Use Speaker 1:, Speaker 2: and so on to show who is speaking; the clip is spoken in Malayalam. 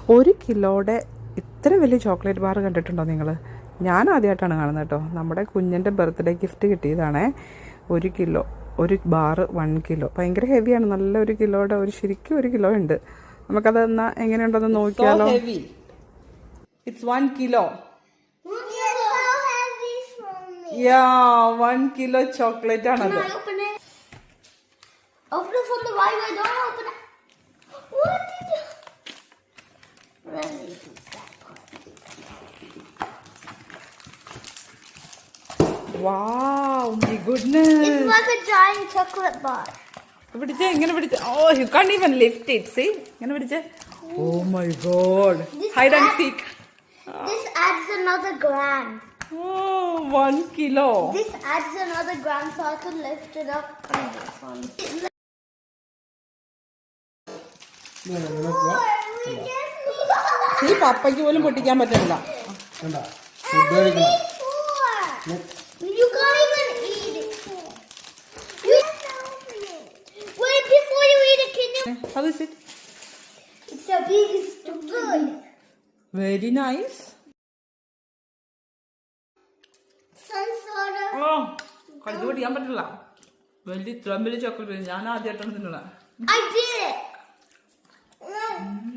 Speaker 1: 1 കിലോയുടെ ഇത്ര വലിയ ചോക്ലേറ്റ് ബാർ കണ്ടിട്ടുണ്ടോ നിങ്ങൾ? ഞാൻ ആദ്യമായിട്ടാണ് കാണുന്നത് കേട്ടോ. നമ്മുടെ കുഞ്ഞിൻ്റെ ബർത്ത്ഡേ ഗിഫ്റ്റ് കിട്ടിയതാണേ. 1 കിലോ, ഒരു ബാറ് 1 കിലോ. ഭയങ്കര ഹെവിയാണ്. നല്ല 1 കിലോയുടെ ശരിക്കും 1 കിലോ ഉണ്ട്. നമുക്കത് എന്നാ എങ്ങനെയുണ്ടെന്ന് നോക്കിയാലോ. It's 1 kilo. Yeah, 1 kilo chocolate ആണത്.
Speaker 2: Open it from the right way. Don't open it. What did you? Really?
Speaker 1: Wow, my goodness.
Speaker 2: It's like a giant chocolate bar.
Speaker 1: പിടിച്ചേ, ഇങ്ങനെ പിടിച്ചേ. Oh, you can't even lift it. See? ഇങ്ങനെ പിടിച്ചേ. Oh my god. Hide and seek.
Speaker 2: This adds another gram.
Speaker 1: Oh, 1 kilo.
Speaker 2: This adds another gram so I can lift it up on this one.
Speaker 1: ഈ പപ്പയ്ക്ക് പോലും പൊട്ടിക്കാൻ പറ്റില്ല.
Speaker 2: You can't even eat it. Wait, before you eat it, can you?
Speaker 1: How is it?
Speaker 2: It's the biggest good.
Speaker 1: Very nice.
Speaker 2: Some sort of.
Speaker 1: Oh, കഴുത്ത് പൊട്ടിക്കാൻ പറ്റില്ല. ഇത്രയും വലിയ ചോക്ലേറ്റ് ഞാൻ ആദ്യമായിട്ടാണ് തിന്നണത്.
Speaker 2: I did it.